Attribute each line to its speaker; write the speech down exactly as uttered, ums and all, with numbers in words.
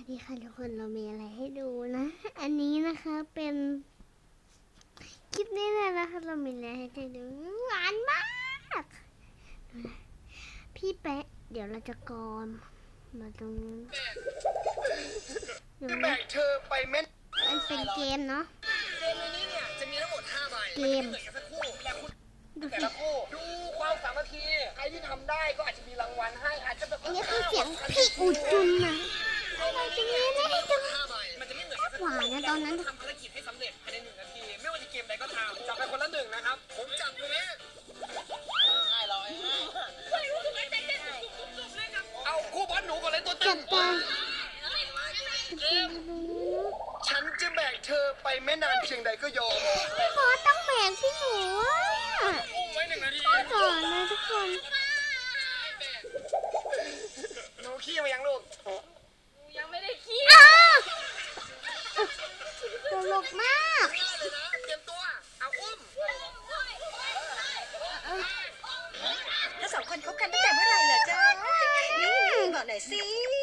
Speaker 1: นี่ค่ะทุกคนเรามีอะไรให้ดูนะ อันนี้นะคะเป็นคลิปนี้เลยนะคะเรามีอะไรให้ดูหวานมากพี่แปะเดี๋ยวเราจะกรอนมาตรงนี้ดู
Speaker 2: จะ
Speaker 1: นะ
Speaker 2: แบ่งเธอไปเม็ด
Speaker 1: มันเป็นเกมเนาะ
Speaker 2: เกมนี้เนี่ยจะมีทั้งหมดห้าใบ
Speaker 1: เกม
Speaker 2: เหมือนกันสักคู่แต่คุณ
Speaker 1: ดู
Speaker 2: แต่
Speaker 1: สิ
Speaker 2: ละคู่ดูความสามัคคีใครที่ทำได้ก็อาจจะมีรางวัลให้อาจจะแบบ
Speaker 1: อันนี้คือเสียงพี่อุจุนนะอะไรจังเลยนะให้จัง
Speaker 2: ห้าใบมันจะไม่เหมือนกันสัก
Speaker 1: หวานนะตอนนั้น
Speaker 2: ทำภารกิจให้สำเร็จภายในหนึ่งนาทีไม่ว่าจะเกมใดก็ตามจับไปคนละหนึ่งนะครับผมจับเลยนะง่ายร้อยเอาคู่บอลหนูก่อนเลยตัว
Speaker 1: จั
Speaker 2: ตึ
Speaker 1: บ
Speaker 2: ง
Speaker 1: ตา
Speaker 2: ฉันจะแบกเธอไปแม่นานเพียงใดก็ยอม
Speaker 1: พี่บอสต้องแบกพี่หนูอะ
Speaker 2: อุ้มไว้หนึ่งนาที
Speaker 1: ก่อนนะทุกคน
Speaker 2: หนูขี้มายังลูก
Speaker 3: ยังไม่ได้ขี้
Speaker 1: อ้าวตลกมาก
Speaker 2: ง่ายเลยนะเตรียมตัวเอาอุ้ม
Speaker 3: ถ้าสองคนคบกันตั้งแต่เมื่อไหร่เหรอจ๊ะบอกหน่อยสิ